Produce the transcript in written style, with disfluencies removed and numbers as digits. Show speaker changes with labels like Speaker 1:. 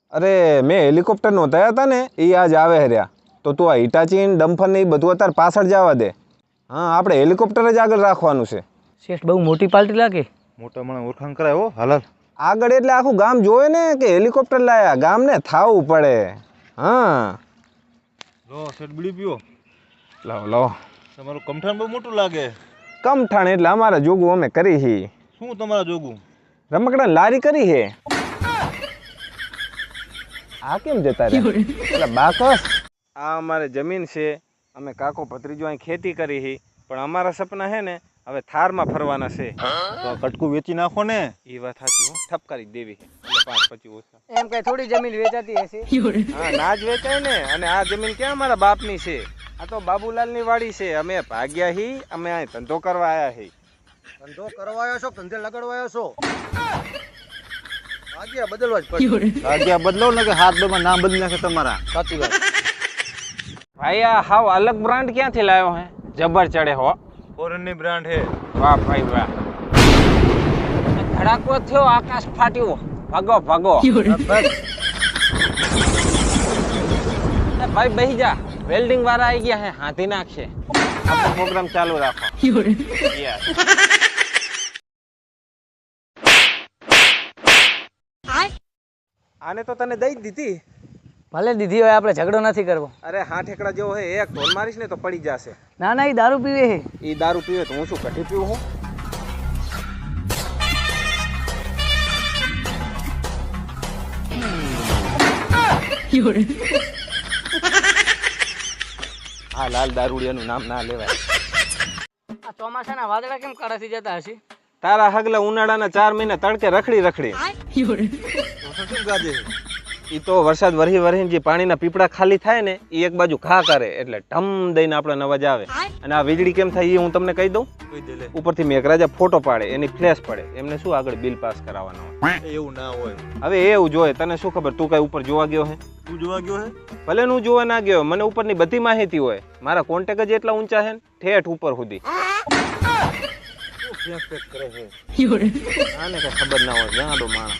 Speaker 1: અરે મેં હેલિકોપ્ટર નોંધાયા હતા ને એ આજ આવે રહ્યા તો તું આ હિટાચીન ડમ્ફર ને એ બધું અત્યારે પાછળ જવા દે. હા આપણે હેલિકોપ્ટર જ આગળ રાખવાનું છે.
Speaker 2: શેઠ બહુ મોટી પાર્ટી લાગે.
Speaker 3: મોટા મને ઓળખાણ કરાય હો હાલ
Speaker 1: આગળ એટલે આખું ગામ જોવે ને કે હેલિકોપ્ટર લાયા ગામને થાવું પડે. હા
Speaker 3: લો શેઠ બીડી પીઓ.
Speaker 1: લાવો લાવો.
Speaker 3: તમારું કમઠાણ બહુ મોટું લાગે.
Speaker 1: કમઠાણ એટલે અમારા જોગું અમે કરી હી.
Speaker 3: શું તમારા જોગું?
Speaker 1: રમકડા લારી કરી હે. આ કેમ જતા રહ્યા એટલે બાકસ. આ અમારે જમીન છે, અમે કાકો ભત્રીજો અહીં ખેતી કરી હી, પણ અમારા સપના હે ને હવે થારમાં ફરવાના છે.
Speaker 3: તો કટકું વેચી નાખો ને.
Speaker 1: એ વાત સાચી હો, ઠપકારી દેવી એટલે 5-25 ઓછા.
Speaker 2: એમ કઈ થોડી જમીન વેચાતી હશે.
Speaker 1: હા ના જ વેચાય ને. અને આ જમીન ક્યાં અમારા બાપની છે, આ તો બાબુલાલની વાડી છે. અમે ભાગ્યા હી, અમે અહીં ધંધો કરવા આવ્યા હી.
Speaker 4: ધંધો કરવા આવ્યો છો, ધંધે લગાડવા આવ્યો છો? ભાગ્યા બદલવા જ પડશે.
Speaker 3: ભાગ્યા બદલો ને કે હાથ બેમાં નામ બદલી નાખે તમારા.
Speaker 4: સાચી વાત.
Speaker 1: ભાઈ આ હાવ અલગ બ્રાન્ડ ક્યાંથી લાવ્યો હે? જબર ચડે હો.
Speaker 3: ફોરેન ની બ્રાન્ડ હે.
Speaker 1: વાહ ભાઈ વાહ. ધડાકો થયો, આકાશ ફાટ્યો. ભાગો ભાગો. ભાઈ બેહી જા, વેલ્ડિંગ વાળા આવી ગયા હે, હાથી નાખશે. આપણો પ્રોગ્રામ ચાલુ રાખો. Yes. આને તો તને દઈ જ દીધી.
Speaker 2: ભલે દીધી હોય, આપણે ઝઘડો નથી કરવો.
Speaker 1: અરે હા ઠેકડા જેવો હે, એક ઢોલ મારીશ ને તો પડી જશે.
Speaker 2: ના ના, એ દારૂ પીવે છે.
Speaker 1: એ દારૂ પીવે તો હું શું કઢી પીવું હું? આ લાલ દારૂડિયાનું નામ ના લેવાય.
Speaker 2: આ ચોમાસાના વાદળા કેમ કાળા થઈ જતા હશે?
Speaker 1: તારા હગલા ઉનાળાના 4 મહિના તડકે રખડી રખડી.
Speaker 3: શું ગાજે?
Speaker 1: ઈ તો વરસાદ વરહી વરહીને જે પાણીના પીપળા ખાલી થાય ને એ એક બાજુ ઘા કરે એટલે ઢમ દઈને આપણને અવાજ આવે. અને આ વીજળી કેમ થાય એ હું તમને કહી દઉં.
Speaker 3: કહી દે લે.
Speaker 1: ઉપરથી મેઘરાજા ફોટો પાડે, એની ફ્લેશ પડે, એમને શું આગળ બિલ પાસ કરાવવાનો હોય.
Speaker 3: એવું ના હોય.
Speaker 1: હવે એવું જોઈએ, તને શું ખબર, તું કઈ ઉપર જોવા ગયો હે?
Speaker 3: તું જોવા ગયો હે?
Speaker 1: ભલે હું જોવા ના ગયો, મને ઉપરની બધી માહિતી હોય. મારા કોન્ટેક્ટ જ એટલા ઊંચા છે ને ઠેઠ ઉપર સુધી.
Speaker 3: શું ફેંક ફેંક કરે છે?
Speaker 1: આને કઈ ખબર ના હોય, જાડો માણસ.